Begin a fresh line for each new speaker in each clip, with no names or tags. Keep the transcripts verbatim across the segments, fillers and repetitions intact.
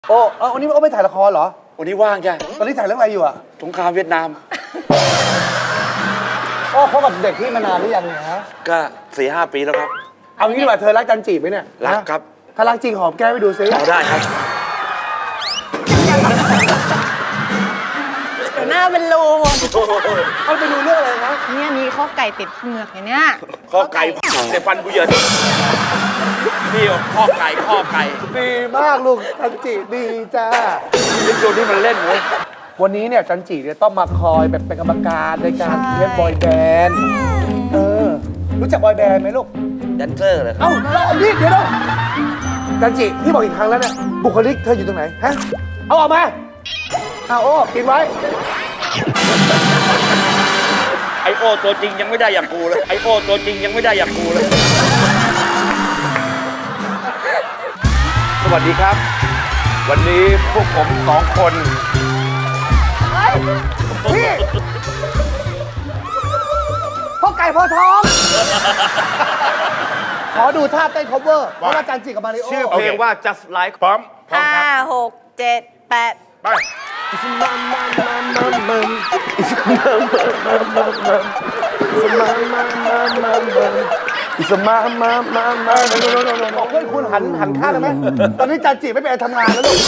โอ้เออวันนี้โอ้ไม่ถ่ายละครเหรอ
วันนี้ว่างจ้ะ
ตอนนี้ถ่ายเรื่องอะไรอยู่อะ
สงครามเวียดนาม
โอ้เขากับเด็กที่มานานหรือยังเนี่ยฮะ
ก็สี่ห้าปีแล้วครับ
เอางี้ดีกว่าเธอรักจันจีบไหมเนี่ย
รักครับ
ถ้ารักจริงหอมแก้มไปดูซิ
เอาได้ครับ
เดี๋ยวหน้าเป็นรู
เอาไปดูเรื่องอะไรนะ
เนี่ยมีข้อไก่ติดเหงือกอย่างเนี้ย
ข้อไก่แต่ฟันกูเยินนี่ข้อไก่ข้อไก่
ดีมากลูกจันจีดีจ้า
นี่โดนที่มันเล่นเว้ย
วันนี้เนี่ยจันจีเนี่ยต้องมาคอยแบบเป็นกรรมการในการเล่นบอยแบนด์เออรู้จักบอยแบนด์ไหมลูก
แดนเซอร์เลยครับ
เอ้าเราเอาดิเดี๋ยวเราจันจีพี่บอกอีกครั้งแล้วเนี่ยบุคลิกเธออยู่ตรงไหนฮะเอาออกมาเอาโอ้กินไว้
ไอโอตัวจริงยังไม่ได้อย่างกูเลยไอโอตัวจริงยังไม่ได้อย่างกูเลย
สวัสดีครับวันนี้พวกผมสองคน
พี่พ่อไก่พ่อท้องขอดูท่าเต้น cover เพราะว่าจันจิกับมาริโอ
ชื่อเพลงว่า just like
พร้อมพร้อม
ห้า
ครับ
หกเจ็ดแปด
ไป
อิสมามามามามาอิสมามามามามาอิสมามามามามาอิสมามามามา
บอกเพื่อนคุณหันหันข้างได้ไหมตอนนี้จันจิไม่เป็นทำงานแล้วลูก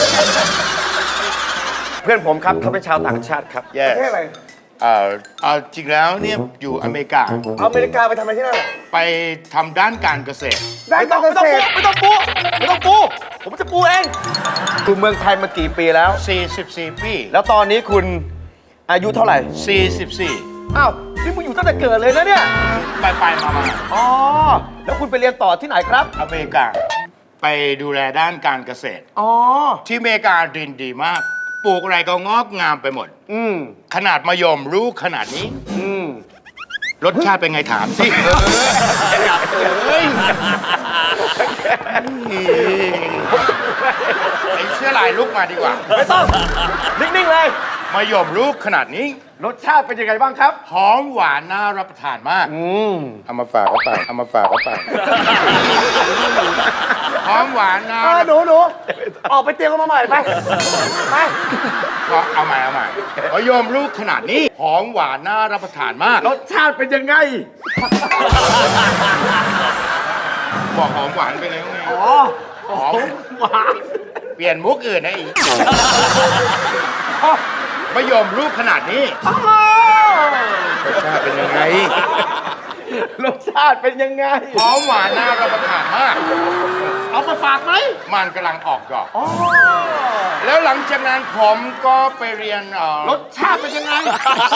เพื่อนผมครับเขาเป็นชาวต่างชาติครับ
ประเทศอะไร
เอ่อเอาจริงแล้วเนี่ยอยู่อเมริกา
อเมริกาไปทำอะไรที่นั่น
ไปทำด้านการเกษตร
ได้การเกษตร
ไม่ต้องปูไม่ต้องปูผมจะปูเองคุณเมืองไทยมากี่ปีแล้ว
สี่สิบสี่ปี
แล้วตอนนี้คุณอายุเท่าไหร่
สี่สิบสี่
อ้าวนี่มึงอยู่ตั้งแต่เกิดเลยนะเนี่ย
ไปไปมามา
อ๋อแล้วคุณไปเรียนต่อที่ไหนครับ
อเมริกาไปดูแลด้านการเกษตร
อ๋อ
ที่อเมริกาดินดีมากปลูกอะไรก็งอกงามไปหมด
อืม
ขนาดมะยมรู้ขนาดนี้
อืม
รสชาติเป็นไงถามสิเฮ้ยไอ้เสื้อลายลุกมาดีกว่า
ไม่ต้องนิ่งๆเลย
มะยมรู้ขนาดนี้
รสชาติเป็นยังไงบ้างครับ
หอมหวานน่ารับประทานมาก
อืม
เอามาฝากเขาไปเอามาฝากเขาไปหอมหวานน่า
หนูหนูออกไปเตรียมกันมาใหม่ไปไป
เอาใหม่เอาใหม่มะยมลูกขนาดนี้หอมหวานน่ารับประทานมาก
รสชาติเป็นยังไง
บอกหอมหวานไปเลยไง
อ๋อหอมหวาน
เปลี่ยนมุกอื่นนะอีกมะยมลูกขนาดนี้รสชาติเป็นยังไง
รสชาติเป็นยังไง
หอมหวานน่ารับประทานมาก
เอามาฝากไหม
มันกำลังออกดอกแล้วหลังจากนั้นผมก็ไปเรียน
รสชาติเป็นยังไง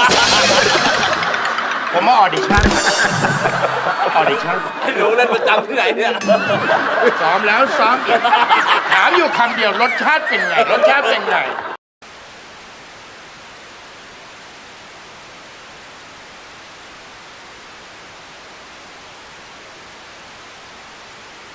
ผมมาออดิชั่นออดิชั่น
ให้หนูเล่นประจำที่ไหนเนี่ย
ซ้อมแล้วซ้อมอีกถามอยู่คำเดียวรสชาติเป็นไงรสชาติเป็นไง